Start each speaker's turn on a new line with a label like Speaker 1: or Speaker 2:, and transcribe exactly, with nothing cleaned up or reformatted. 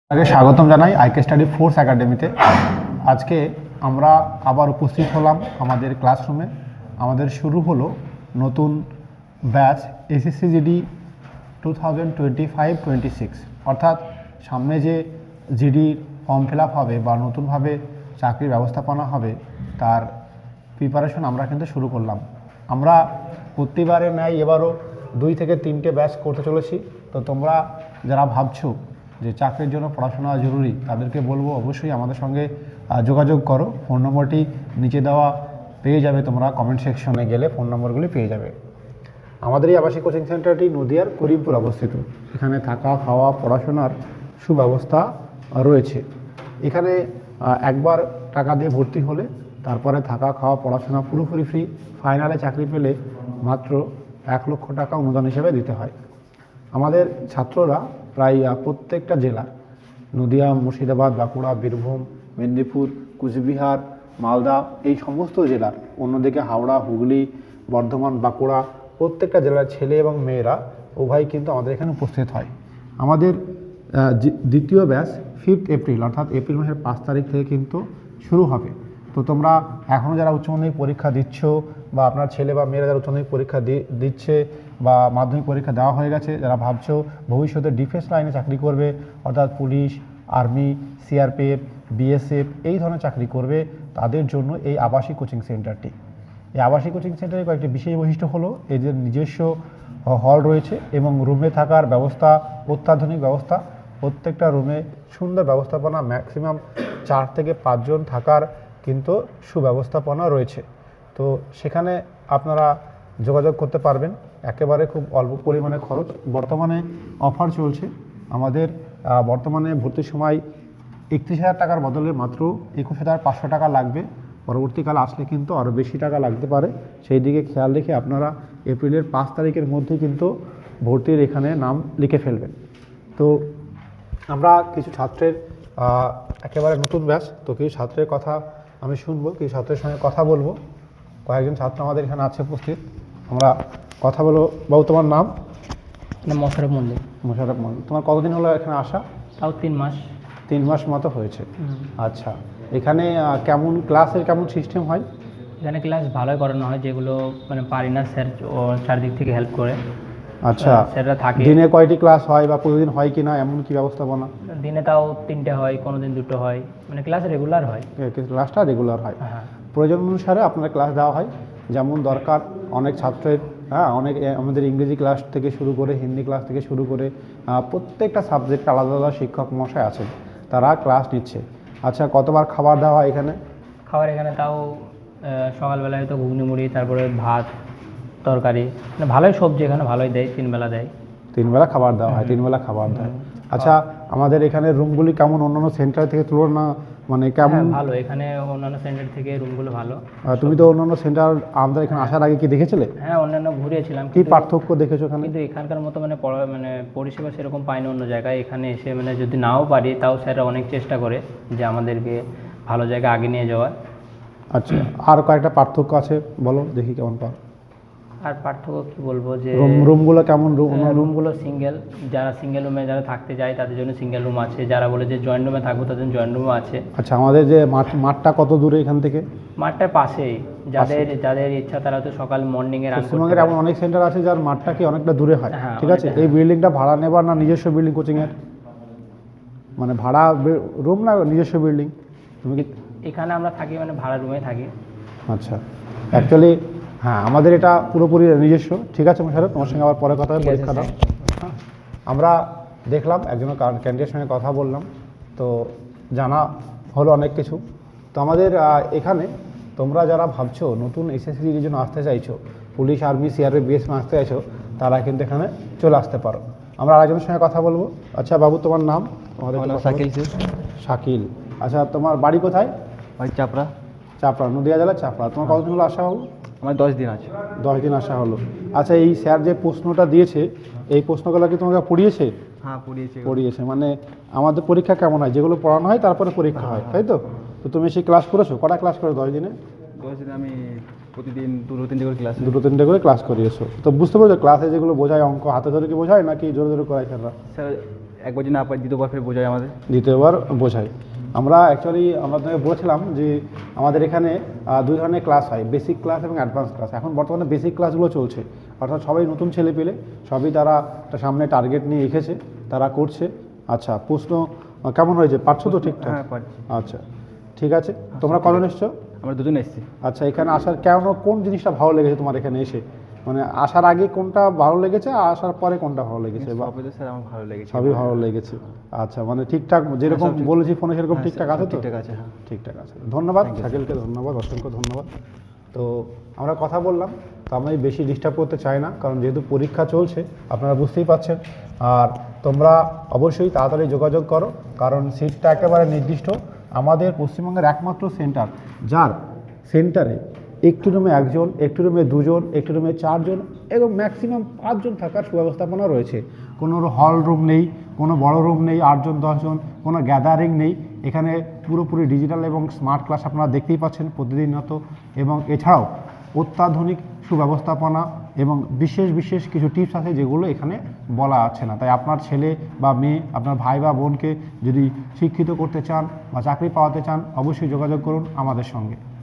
Speaker 1: আগে স্বাগতম জানাই আইকে স্টাডি ফোর্স একাডেমিতে। আজকে আমরা আবার উপস্থিত হলাম আমাদের ক্লাসরুমে। আমাদের শুরু হলো নতুন batch SSC GD two thousand twenty five twenty six, অর্থাৎ সামনে যে জিডি ফর্ম ফিল আপ হবে বা নতুনভাবে চাকরির ব্যবস্থাপনা হবে তার প্রিপারেশন আমরা কিন্তু শুরু করলাম। আমরা প্রতিবারের ন্যায় এবারও দুই থেকে তিনটে ব্যাচ করতে চলেছি। তো তোমরা যারা ভাবছো যে চাকরির জন্য পড়াশোনা জরুরি তাদেরকে বলবো অবশ্যই আমাদের সঙ্গে যোগাযোগ করো। ফোন নম্বরটি নিচে দেওয়া পেয়ে যাবে, তোমরা কমেন্ট সেকশনে গেলে ফোন নম্বরগুলি পেয়ে যাবে। আমাদের এই আবাসিক কোচিং সেন্টারটি নদিয়ার করিমপুর অবস্থিত। এখানে থাকা খাওয়া পড়াশোনার সুব্যবস্থা রয়েছে। এখানে একবার টাকা দিয়ে ভর্তি হলে তারপরে থাকা খাওয়া পড়াশোনা পুরোপুরি ফ্রি। ফাইনালে চাকরি পেলে মাত্র এক লক্ষ টাকা অনুদান হিসেবে দিতে হয়। আমাদের ছাত্ররা প্রায় প্রত্যেকটা জেলা, নদিয়া, মুর্শিদাবাদ, বাঁকুড়া, বীরভূম, মেদিনীপুর, কুচবিহার, মালদা, এই সমস্ত জেলার, অন্যদিকে হাওড়া, হুগলি, বর্ধমান, বাঁকুড়া, প্রত্যেকটা জেলার ছেলে এবং মেয়েরা উভয় কিন্তু আমাদের এখানে উপস্থিত হয়। আমাদের দ্বিতীয় ব্যাচ ফিফথ এপ্রিল অর্থাৎ এপ্রিল মাসের পাঁচ তারিখ থেকে কিন্তু শুরু হবে। তো তোমরা এখনও যারা উচ্চ মাধ্যমিক পরীক্ষা দিচ্ছ বা আপনার ছেলে বা মেয়েরা যারা উচ্চ মাধ্যমিক পরীক্ষা দিচ্ছে বা মাধ্যমিক পরীক্ষা দেওয়া হয়ে গেছে, যারা ভাবছো ভবিষ্যতে ডিফেন্স লাইনে চাকরি করবে অর্থাৎ পুলিশ, আর্মি, সিআরপিএফ, বিএসএফ এই ধরনের চাকরি করবে, তাদের জন্য এই আবাসিক কোচিং সেন্টারটি। এই আবাসিক কোচিং সেন্টারের কয়েকটি বিশেষ বৈশিষ্ট্য হলো এদের নিজস্ব হল রয়েছে এবং রুমে থাকার ব্যবস্থা অত্যাধুনিক ব্যবস্থা। প্রত্যেকটা রুমে সুন্দর ব্যবস্থাপনা, ম্যাক্সিমাম চার থেকে পাঁচজন থাকার কিন্তু সুব্যবস্থাপনা রয়েছে। তো সেখানে আপনারা যোগাযোগ করতে পারবেন, একেবারে খুব অল্প পরিমাণে খরচ। বর্তমানে অফার চলছে আমাদের। বর্তমানে ভর্তির সময় একত্রিশ হাজার টাকার বদলে মাত্র একুশ হাজার পাঁচশো টাকা লাগবে। পরবর্তীকালে আসলে কিন্তু আরও বেশি টাকা লাগতে পারে, সেই দিকে খেয়াল রেখে আপনারা এপ্রিলের পাঁচ তারিখের মধ্যে কিন্তু ভর্তির এখানে নাম লিখে ফেলবেন। তো আমরা কিছু ছাত্রের একেবারে নতুন ব্যাচ, তো কিছু ছাত্রের কথা আমি শুনবো, কিছু ছাত্রের সঙ্গে কথা বলবো। কয়েকজন ছাত্র আমাদের এখানে আছে উপস্থিত, আমরা কথা বলবো। বাবু, তোমার নাম?
Speaker 2: মোশাররফ মন্দির।
Speaker 1: মোশাররফ মন্দির। তোমার কতদিন হলো এখানে আসা?
Speaker 2: তাও তিন মাস।
Speaker 1: তিন মাস মতো হয়েছে। আচ্ছা, এখানে কেমন ক্লাসের কেমন সিস্টেম হয়?
Speaker 2: এখানে ক্লাস ভালোই করানো হয়, যেগুলো মানে পারি না স্যার ও চারদিক থেকে হেল্প করে।
Speaker 1: আচ্ছা,
Speaker 2: স্যাররা থাকে।
Speaker 1: দিনে কয়টি ক্লাস হয় বা প্রতিদিন হয় কি না, এমন কি ব্যবস্থাপনা?
Speaker 2: দিনে তাও তিনটে হয়, কোনো দিন দুটো হয়, মানে ক্লাস রেগুলার হয়।
Speaker 1: ক্লাসটা রেগুলার হয়।
Speaker 2: হ্যাঁ,
Speaker 1: প্রয়োজন অনুসারে আপনার ক্লাস দেওয়া হয় যেমন দরকার। অনেক ছাত্রের হ্যাঁ অনেক আমাদের ইংরেজি ক্লাস থেকে শুরু করে হিন্দি ক্লাস থেকে শুরু করে প্রত্যেকটা সাবজেক্ট আলাদা আলাদা শিক্ষক মশাই আছেন, তারা ক্লাস নিচ্ছে। আচ্ছা, কতবার খাবার দেওয়া হয় এখানে?
Speaker 2: খাবার এখানে তাও সকালবেলায় হয়তো ঘুগনি মুড়ি, তারপরে ভাত তরকারি, মানে ভালোই সবজি এখানে ভালোই দেয়, তিন বেলা দেয়।
Speaker 1: তিন বেলা খাবার দেওয়া হয়, তিন বেলা খাবার দেয়। আচ্ছা, আমাদের এখানে রুমগুলি কেমন অন্যান্য সেন্টার থেকে তুলনা মানে কেমন?
Speaker 2: ভালো, এখানে অন্যান্য সেন্টার থেকে রুমগুলো ভালো।
Speaker 1: তুমি তো অন্যান্য সেন্টার আমাদের এখানে আসার আগে কি দেখেছিলে?
Speaker 2: হ্যাঁ, অন্যান্য ঘুরেছিলাম।
Speaker 1: কি পার্থক্য দেখেছো এখানে?
Speaker 2: কিন্তু এখানকার মতো মানে মানে পরিষেবা সেরকম পাইনি অন্য জায়গায়। এখানে এসে মানে যদি নাও পারি তাও স্যাররা অনেক চেষ্টা করে যে আমাদেরকে ভালো জায়গায় আগে নিয়ে যাওয়ার।
Speaker 1: আচ্ছা, আর কয়েকটা পার্থক্য আছে, বলো দেখি কেমন পাও।
Speaker 2: আর পার্থক্য কি বলবো, যে
Speaker 1: রুমগুলো কেমন?
Speaker 2: রুমগুলো সিঙ্গেল, যারা সিঙ্গেল রুমে যারা থাকতে যায় তাদের জন্য সিঙ্গেল রুম আছে, যারা বলে যে জয়েন্ট রুমে থাকবো তাদের জয়েন্ট রুমও আছে।
Speaker 1: আচ্ছা, আমাদের যে মাঠ মাঠটা কত দূরে এখান থেকে?
Speaker 2: মাঠটার পাশেই, যাদের যাদের ইচ্ছা তারা তো সকাল মর্নিংয়ে রান করতে।
Speaker 1: পশ্চিমবঙ্গের এমন অনেক সেন্টার আছে যার মাঠটা কি অনেকটা দূরে হয়,
Speaker 2: হ্যাঁ,
Speaker 1: ঠিক আছে। এই বিল্ডিংটা ভাড়া নেবার না নিজস্ব বিল্ডিং কোচিংয়ের? মানে ভাড়া রুম না নিজস্ব বিল্ডিং? তুমি কি
Speaker 2: এখানে আমরা থাকি মানে ভাড়া রুমে থাকি।
Speaker 1: আচ্ছা, অ্যাকচুয়ালি হ্যাঁ আমাদের এটা পুরোপুরি নিজস্ব। ঠিক আছে মোশাররফ, তোমার সঙ্গে আবার পরে কথা হবে, পরীক্ষা দাও। আমরা দেখলাম একজন ক্যান্ডিডেটের সঙ্গে কথা বললাম, তো জানা হলো অনেক কিছু। তো আমাদের এখানে তোমরা যারা ভাবছো নতুন এসএসসির জন্য আসতে চাইছো, পুলিশ, আর্মি, সিআরপি, বিএসএফ আসতে চাইছো, তারা কিন্তু এখানে চলে আসতে পারো। আমরা আরেকজনের সঙ্গে কথা বলবো। আচ্ছা বাবু, তোমার নাম?
Speaker 3: আমাদের শাকিল।
Speaker 1: শাকিল। আচ্ছা, তোমার বাড়ি কোথায়?
Speaker 3: বাড়ি চাপড়া।
Speaker 1: চাপড়া, নদিয়া জেলার চাপড়া। তোমার কতদিন হলো আসা হলো?
Speaker 3: আমার দশ দিন আছে।
Speaker 1: দশ দিন আসা হলো। আচ্ছা, এই স্যার যে প্রশ্নটা দিয়েছে এই প্রশ্নগুলো কি তোমাকে পড়িয়েছে?
Speaker 3: হ্যাঁ, পড়িয়েছে।
Speaker 1: পড়িয়েছে মানে আমাদের পরীক্ষা কেমন হয়, যেগুলো পড়ানো হয় তারপরে পরীক্ষা হয়, তাই তো? তো তুমি সেই ক্লাস করেছো? কটা ক্লাস করে দশ দিনে?
Speaker 3: দশ দিনে আমি প্রতিদিন দুটো তিনটে করে ক্লাস
Speaker 1: দুটো তিনটে করে ক্লাস করিয়েছো। তো বুঝতে পারছো ক্লাসে যেগুলো বোঝায় অঙ্ক হাতে ধরে কি বোঝায় নাকি জোরে জোরে করায় স্যাররা?
Speaker 3: স্যার একবার যদি না পাই দ্বিতীয়বার ফের বোঝায় আমাদের।
Speaker 1: দ্বিতীয়বার বোঝাই। আমরা অ্যাকচুয়ালি আমরা তোমাকে বলেছিলাম যে আমাদের এখানে আহ, দুই ধরনের ক্লাস হয়, বেসিক ক্লাস এবং অ্যাডভান্স ক্লাস। এখন বর্তমানে বেসিক ক্লাসগুলো চলছে, অর্থাৎ সবাই নতুন ছেলে পেলে সবই তারা একটা সামনে টার্গেট নিয়ে রেখেছে, তারা করছে। আচ্ছা, প্রশ্ন আহ, কেমন হয়েছে, পারছো তো ঠিকঠাক?
Speaker 3: হ্যাঁ পারছি।
Speaker 1: আচ্ছা ঠিক আছে, তোমরা কজন এসছো?
Speaker 3: আমরা দুজন এসেছি।
Speaker 1: আচ্ছা, এখানে আসার কেন, কোন জিনিসটা ভালো লেগেছে তোমার এখানে এসে? মানে আসার আগে কোনটা ভালো লেগেছে আর আসার পরে কোনটা ভালো লেগেছে? বা
Speaker 3: সবই তো স্যার আমার ভালো লেগেছে।
Speaker 1: সবই ভালো লেগেছে। আচ্ছা, মানে ঠিকঠাক যেরকম
Speaker 3: সব ঠিক-
Speaker 1: বলেছি ফোনে সেরকম
Speaker 3: হ্যাঁ,
Speaker 1: ঠিকঠাক
Speaker 3: সব
Speaker 1: আছে তো?
Speaker 3: ঠিকঠাক আছে, হ্যাঁ।
Speaker 1: ঠিকঠাক আছে, ধন্যবাদ শাকিলকে, ধন্যবাদ, অসংখ্য ধন্যবাদ। তো আমরা কথা বললাম, তো আমি বেশি ডিস্টার্ব করতে চাই না, কারণ যেহেতু পরীক্ষা চলছে আপনারা বুঝতেই পারছেন। আর তোমরা অবশ্যই তাড়াতাড়ি যোগাযোগ করো, কারণ সিটটা একেবারে নির্দিষ্ট। আমাদের পশ্চিমবঙ্গের একমাত্র সেন্টার যার সেন্টারে একটি রুমে একজন, একটি রুমে দুজন, একটি রুমে চারজন এবং ম্যাক্সিমাম পাঁচজন থাকার সুব্যবস্থাপনা রয়েছে। কোনো হল রুম নেই, কোনো বড় রুম নেই আটজন দশজন, কোনো গ্যাদারিং নেই। এখানে পুরোপুরি ডিজিটাল এবং স্মার্ট ক্লাস আপনারা দেখতেই পাচ্ছেন প্রতিদিনত, এবং এছাড়াও অত্যাধুনিক সুব্যবস্থাপনা এবং বিশেষ বিশেষ কিছু টিপস আছে যেগুলো এখানে বলা আছে না। তাই আপনার ছেলে বা মেয়ে, আপনার ভাই বা বোনকে যদি শিক্ষিত করতে চান বা চাকরি পাওয়াতে চান, অবশ্যই যোগাযোগ করুন আমাদের সঙ্গে।